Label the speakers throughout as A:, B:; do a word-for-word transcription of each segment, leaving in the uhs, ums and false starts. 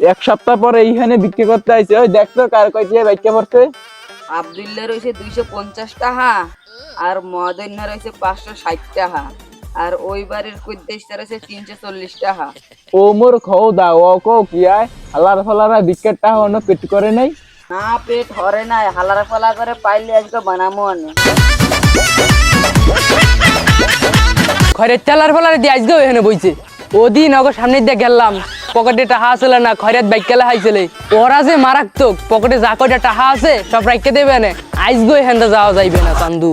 A: এক সপ্তাহ পরে এইখানে বিক্রি করতে আইছে। ওই দেখতো কার কয়টি বাইকে পড়ছে।
B: আব্দুল্লাহ রয়েছে দুইশো পঞ্চাশ টাকা আর মদন্য রয়েছে পাঁচশো ষাট টাকা আর ওই বাড়ির কুদ্দেশটা রয়েছে তিনশো চল্লিশ টাকা।
A: ও মোর খৌ দা ও কো কি আয় হালার ফালারা বিকেট টাকা অন্য পেট করে নাই।
B: না পেট হরে নাই, হালারা ফালা করে পাইলে আজকে বানামো আনে।
C: খয়রের তেলার ফলারে দিয়ে আজকেও এখানে বইছে। ওদিন ওকে সামনে দিয়ে গেলাম, পকেটে টাহা ছিল না, খয়রাত বাইক কেলা হাইছিলে। ওরা যে মারাত্মক, পকেটে যা কয়টা টাহা আছে সব রাখতে দেবে না। আজকেও এখান যাওয়া যাইবে না চান্দু।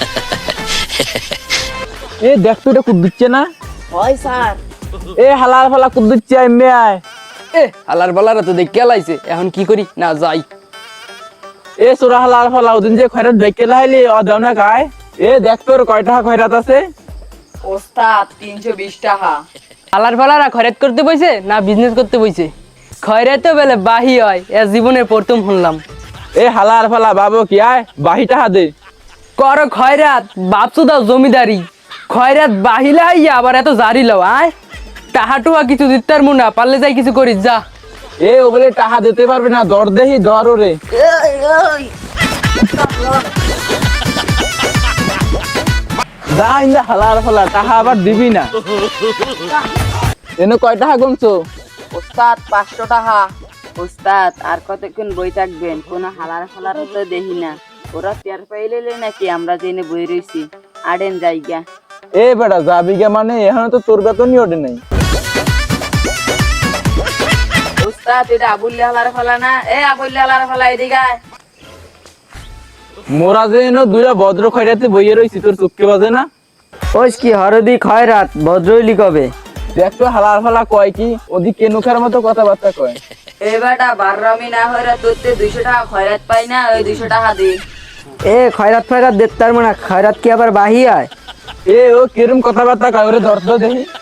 A: এ দেখতো এটা খুব দিচ্ছে না।
B: হয় স্যার।
A: এ হালার ফালা খুব দিচ্ছে এমনি আয়।
C: এ হালার ফালারা তো দেখে কেলাইছে, এখন কি করি না যাই।
A: এ সোরা হালার ফালা ওদিন যে খয়রাত বাইকে লাইলি ও দাও না গায়। এ দেখতো কয় টাকা খয়রাত আছে।
B: ওস্তাদ তিনশো বিশ টাকা।
C: হালার ফালারা খয়রাত করতে বইছে না বিজনেস করতে বইছে? খয়রাতে বেলে বাহি হয়, এ জীবনের প্রথম শুনলাম।
A: এ হালার ফালা বাবু কি আয় বাহি টাকা দে।
C: কর খয়রাত বাপসু দাও জমিদারি, খয়রাত বাহিলা হইয়া আবার এত জারি লও। আয় টাহা টুহা কিছু দিতার মুনা, পারলে যাই কিছু করিস যা।
A: এ ওগুলো টাকা দিতে পারবে না, দর দেহি দর ওরে। যা ইন্দা হালার ফালা টাকা আবার দিবি না। এনে কয় টাকা গুনছো?
B: ওস্তাদ পাঁচশো টাকা। ওস্তাদ আর কতক্ষণ বই থাকবেন? কোনো হালার ফালার তো দেখি না। ওরা টের পাইলে নাকি আমরা জেনে বই রয়েছি। আড়েন জায়গা।
A: এ বেটা যাবি গে মানে এখন তো তোর বেতনই ওঠে নাই।
B: ওস্তাদ এটা আবুল্লি হালার ফালা না? এ আবুল্লি হালার ফালা এদিকে আয়।
A: মোরা যে এনে দুইটা ভদ্র খয়রাতে বইয়ে রয়েছি, তোর চুপকে বাজে না?
C: ওই কি হরদি খয়রাত ভদ্রইলি কবে?
A: দেখ তো হালার ফালা কয় কি, ওদি কেনুখার মতো কথাবার্তা কয়।
B: এ বেটা বাররামি না হইরা তোরতে দুইশো টাকা খয়রাত পাই না, ওই দুইশো টাকা দি।
C: এ খয়রাত ফয়রাত দেখতার মানে খয়রাত কি আবার বাহি হয়?
A: এ ও কিরম কথাবার্তা কয় ওরে ধরতো দেখি।